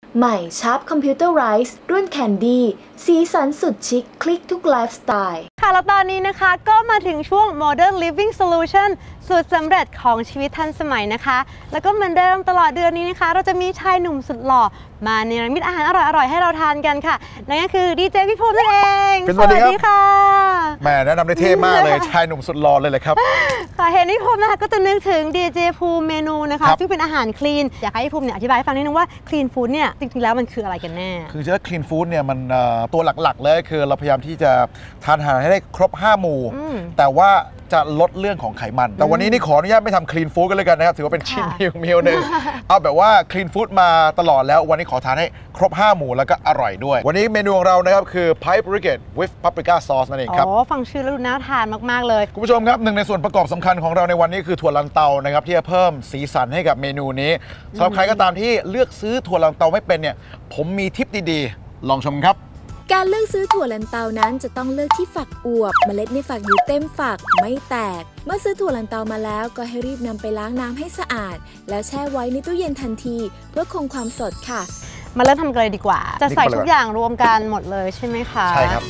ใหม่ชาร์ปคอมพิวเตอร์ไรส์รุ่นแคนดี้สีสันสุดชิคคลิกทุกไลฟ์สไตล์ค่ะแล้วตอนนี้นะคะก็มาถึงช่วง Modern Living Solution สูตรสำเร็จของชีวิตทันสมัยนะคะแล้วก็เหมือนเดิมตลอดเดือนนี้นะคะเราจะมีชายหนุ่มสุดหล่อมาเนรมิตอาหารอร่อยๆให้เราทานกันค่ะนั่นก็คือดีเจพี่ภูมินั่นเองสวัสดีค่ะแหมแนะนำได้เท่มากเลยชายหนุ่มสุดหล่อเลยครับค่ะเห็นพี่ภูมินะคะก็จะนึกถึงดีเจภูมิเมนูนะคะซึ่งเป็นอาหารคลีนอยากให้พี่ภูมิเนี่ยอธิบายให้ฟังนิดนึงว่าคลีนฟู้ดเนี่ยจริงๆแล้วมันคืออะไรกันแน่คือจะคลีนฟู้ดเนี่ยมันตัวหลักๆเลยคือเราพยายามที่จะทานอาหารให้ได้ครบ5 หมู่แต่ว่าจะลดเรื่องของไขมันแต่วันนี้นี่ขออนุญาตไม่ทำคลีนฟู้ดกันเลยกันนะครับถือว่าเป็นชิ้นมิวหนึ่งเอาแบบว่าคลีนฟู้ดมาตลอดแล้ววันนี้ขอทานให้ครบ5 หมู่แล้วก็อร่อยด้วยวันนี้เมนูของเรานะครับคือ Pipe Brigade with Paprika Sauce นั่นเองครับฟังชื่อแล้วดูน่าทานมากๆเลยคุณผู้ชมครับหนึ่งในส่วนประกอบสำคัญของเราในวันนี้คือถั่วลันเตานะครับที่จะเพิ่มสีสันให้กับเมนูนี้สำหรับใครก็ตามที่เลือกซื้อถั่วลันเตาไม่เป็นเนี่ยผมมีทิปดีๆลองชมครับการเลือกซื้อถั่วลันเตานั้นจะต้องเลือกที่ฝักอวบเมล็ดในฝักอยู่เต็มฝักไม่แตกเมื่อซื้อถั่วลันเตามาแล้วก็ให้รีบนำไปล้างน้ำให้สะอาดแล้วแช่ไว้ในตู้เย็นทันทีเพื่อคงความสดค่ะมาเริ่มทำกันเลยดีกว่าจะใส่ทุกอย่างรวมกันหมดเลยใช่ไหมคะใช่ครับ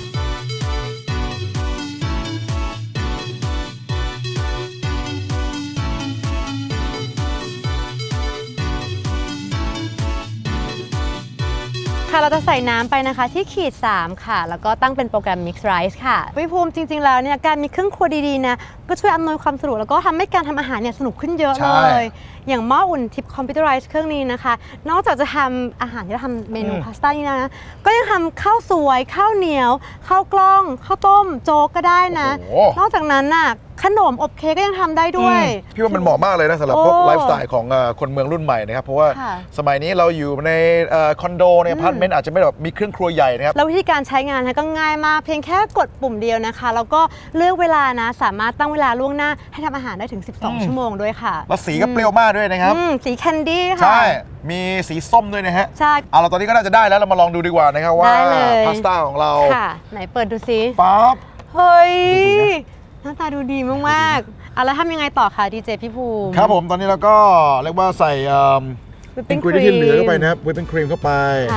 ค่ะเราจะใส่น้ำไปนะคะที่ขีด3ค่ะแล้วก็ตั้งเป็นโปรแกรม Mix Rice ค่ะพี่ภูมิจริงๆแล้วเนี่ยการมีเครื่องครัวดีๆนะก็ช่วยอำนวยความสะดวกแล้วก็ทำให้การทำอาหารเนี่ยสนุกขึ้นเยอะเลยอย่างหม้ออุ่นทิปคอมพิวเตอร์ไรซ์เครื่องนี้นะคะนอกจากจะทำอาหารที่เราทำเมนูพาสต้านี่นะก็ยังทำข้าวสวยข้าวเหนียวข้าวกล้องข้าวต้มโจ๊กก็ได้นะนอกจากนั้นน่ะขนมอบเค้กก็ยังทำได้ด้วยพี่ว่ามันเหมาะมากเลยนะสำหรับพวกไลฟ์สไตล์ของคนเมืองรุ่นใหม่นะครับเพราะว่าสมัยนี้เราอยู่ในคอนโดในอพาร์ตเมนต์อาจจะไม่แบบมีเครื่องครัวใหญ่นะครับแล้ววิธีการใช้งานก็ง่ายมากเพียงแค่กดปุ่มเดียวนะคะแล้วก็เลือกเวลานะสามารถตั้งเวลาล่วงหน้าให้ทำอาหารได้ถึง12 ชั่วโมงด้วยค่ะแล้วสีก็เปรี้ยวมากด้วยนะครับสีแคนดี้ค่ะใช่มีสีส้มด้วยนะฮะใช่เอาเราตอนนี้ก็น่าจะได้แล้วเรามาลองดูดีกว่านะครับว่าพาสต้าของเราค่ะไหนเปิดดูซิปั๊บเฮ้ยหน้าตาดูดีมากๆแล้วทำยังไงต่อคะดีเจพี่ภูมิครับผมตอนนี้เราก็เรียกว่าใส่อินกรีเดียนที่เหลือเข้าไปนะครับวิปปิ้งครีมเข้าไป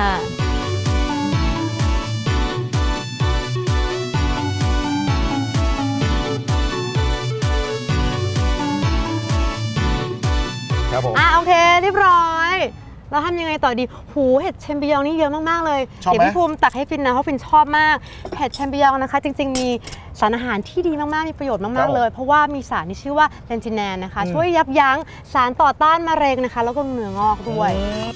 ครับผมโอเคเรียบร้อยเราทำยังไงต่อดีหูเห็ดแชมปิญองนี่เยอะมากๆเลยเดี๋ยวพี่ภูมิตักให้ฟินนะเพราะฟินชอบมากเห็ดแชมปิญองนะคะจริงๆมีสารอาหารที่ดีมากๆมีประโยชน์มากๆเลยเพราะว่ามีสารที่ชื่อว่าเลนจิแนนนะคะช่วยยับยั้งสารต่อต้านมะเร็งนะคะแล้วก็เนื้องอกด้วย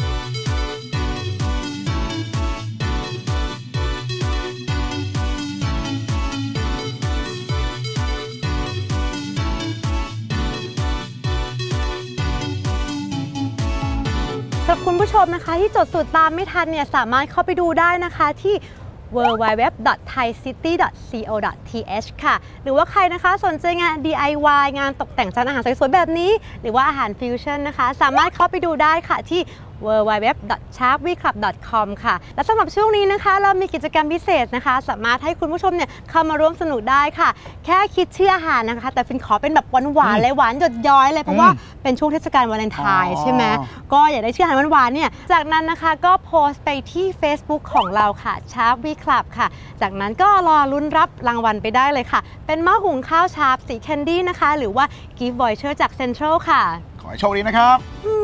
สำหรับคุณผู้ชมนะคะที่จดสูตรตามไม่ทันเนี่ยสามารถเข้าไปดูได้นะคะที่ www.thaicity.co.th ค่ะหรือว่าใครนะคะสนใจงาน DIY งานตกแต่งจานอาหารสวยๆแบบนี้หรือว่าอาหารฟิวชั่นนะคะสามารถเข้าไปดูได้ค่ะที่ www.sharpweclub.com ค่ะและสำหรับช่วงนี้นะคะเรามีกิจกรรมพิเศษนะคะสามารถให้คุณผู้ชมเนี่ยเข้ามาร่วมสนุกได้ค่ะแค่คิดชื่ออาหารนะคะแต่ฟินขอเป็นแบบหวานๆเลยหวานหยดย้อยเลยเพราะว่าเป็นช่วงเทศกาลวาเลนไทน์ใช่ไหมก็อยากได้ชื่ออาหารหวานๆเนี่ยจากนั้นนะคะก็โพสต์ไปที่ Facebook ของเราค่ะ Sharp We Club ค่ะจากนั้นก็รอลุ้นรับรางวัลไปได้เลยค่ะเป็นหม้อหุงข้าวชาร์ปสีแคนดี้นะคะหรือว่า Gift Voucher จาก Central ค่ะขอให้โชคดีนะครับ